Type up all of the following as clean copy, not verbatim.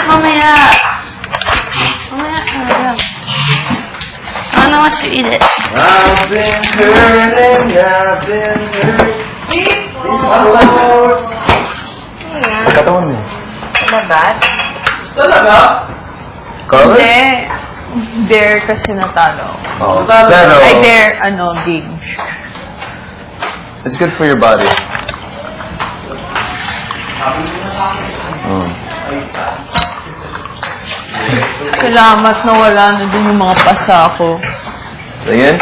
mamaya. Mamaya. I don't want you to eat it. I've been hurting, I've been hurt. Pagkatawan mo. Labat? Talaga? Carlos? Hindi. Dare kasi natalo. Oh. Pero, Ay, dare, big. it's good for your body. Salamat na wala na din yung mga pasa ko. Again?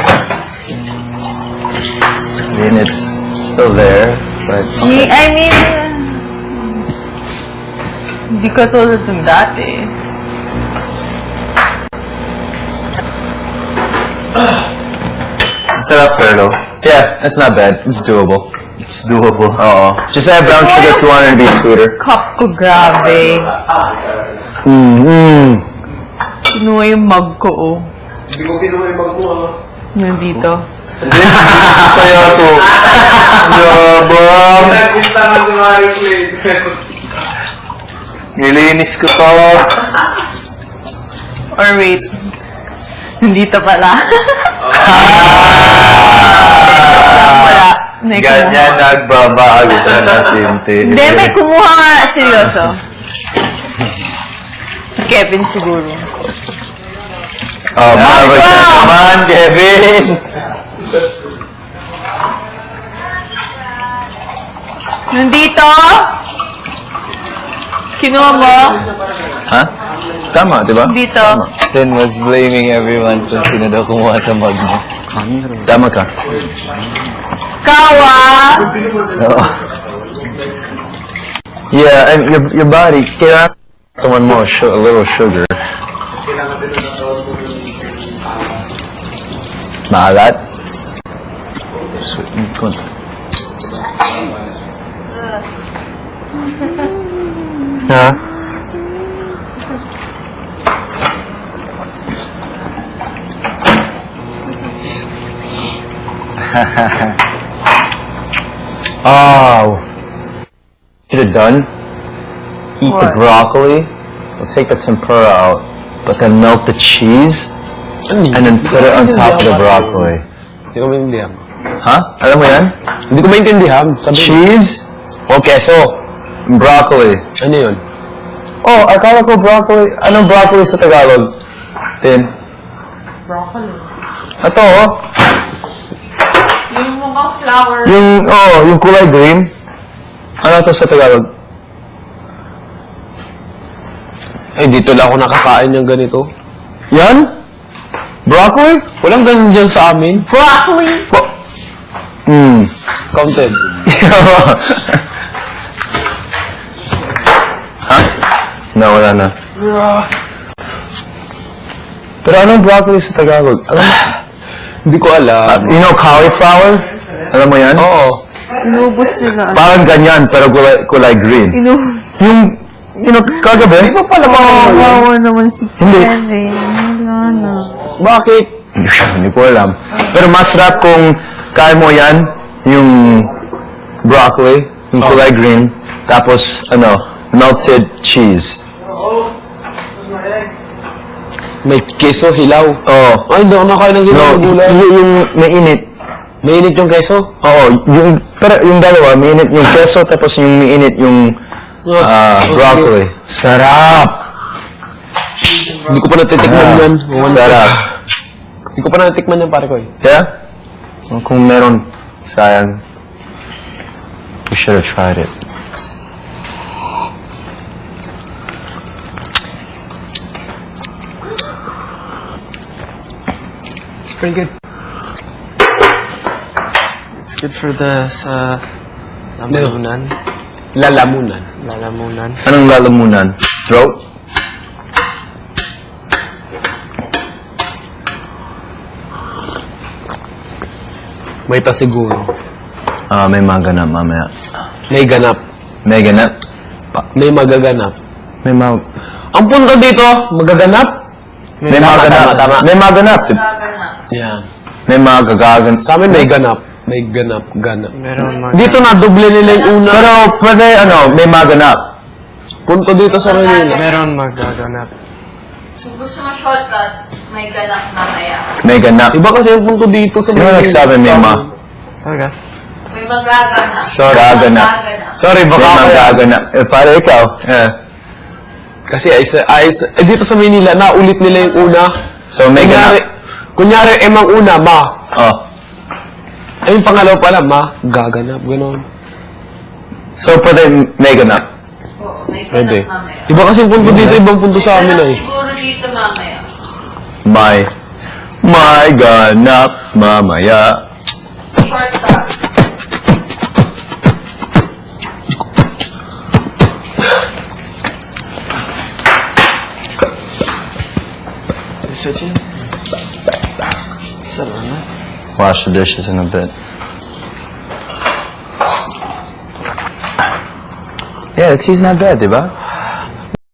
I mean, it's still there, but... I mean, hindi ka tulad ng dati. Sarap, Carlo. Yeah, it's not bad. It's doable. It's doable. Oo. Just add brown sugar if you want it to be sweeter. Cup ko, grabe. Kinuha yung mug ko, oh. Hindi ko kinuha yung bag mo, Nandito. Kaya to. Yabang. Nag-gusta nga si Mario Clay. Nilinis ko to. Or wait. Nandito pala. Wala. May Ganyan nagbabago ka natin. Hindi, may kumuha nga. Seryoso. Kevin siguro. Oh, mabay ka naman, Kevin. Nandito? Kinuha mo? Ha? Tama, di ba? Dito. Then was blaming everyone kung sino daw kumuha sa mug mo. Tama ka. Kawa! Oo. Yeah, and your body, kailangan someone more, a little sugar. Maalat? Sweet. Konti. Ha? Oh. Should have done? Eat the What? broccoli. We'll take the tempura out, but then melt the cheese, and then put it on top of the broccoli. Hindi ko maintindihan. Ha? Alam mo yan? Hindi ko maintindihan. Cheese O keso. broccoli. Ano yun? Oh, akala ko broccoli. Anong broccoli sa Tagalog? Tin. Broccoli. Ito, oh. Yung mga flower. Yung kulay green. Ano to sa Tagalog? Eh, dito lang ako nakakain ng ganito. Yan? Broccoli? Walang ganun dyan sa amin. Broccoli! Counted. Ha? No, wala na. Pero anong broccoli sa Tagalog? Alam mo? Hindi ko alam. You know cauliflower? Alam mo yan? Oo. Inubos nila. Parang ganyan, pero kulay green. Yung, kagabi? Di ba pala Kawawa naman si Hindi. Kevin. Wala na. Bakit? Hindi ko alam. Pero masarap kung kaya mo yan, yung broccoli, yung kulay green, tapos, melted cheese. May keso, hilaw. Oo. Ay, hindi ako nakain ng hilaw na gulay. yung mainit. Mainit yung keso? Oo, pero yung dalawa, mainit yung keso, tapos yung mainit yung broccoli. Sarap! Hindi ko pa natitikman yan. Sarap. Hindi ko pa natitikman yan, pare ko eh. Yeah? Kung meron, sayang. We should have tried it. It's pretty good. It's good for the lalamunan. Lalamunan. Lalamunan. Anong lalamunan? Throat? May pa siguro. May maganap mamaya. May ganap. May ganap? May magaganap. May Ang punto dito, magaganap? May maganap. Tama. May maganap. Yeah. May magagagan. Sa amin may ganap. May ganap, ganap. Meron mga... Dito na, doble nila yung una. Pero pwede, may maganap. punto dito sa Manila. Meron magaganap. Kung gusto mo shortcut, may ganap mamaya. May ganap. Iba kasi yung punto dito sa Sino Manila. nagsabi may ma? Talaga? May magaganap. Gaganap. Sorry, May baka ako yan. magaganap. Para ikaw. Yeah. Kasi dito sa Manila, naulit nila yung una. So, may ganap. Kunyari, emang una, ma. Oh. Ay, yung pangalaw pala, ma. Gaganap, gano'n. So, pwede may ganap. Oo, may ganap Pwede. mamaya. Iba kasi yung punto dito, ibang punto sa amin Ganap eh. siguro dito mamaya. May ganap mamaya. Shortcut. Isa dyan. Salamat. Wash the dishes in a bit. Yeah, the tea's not bad, diba?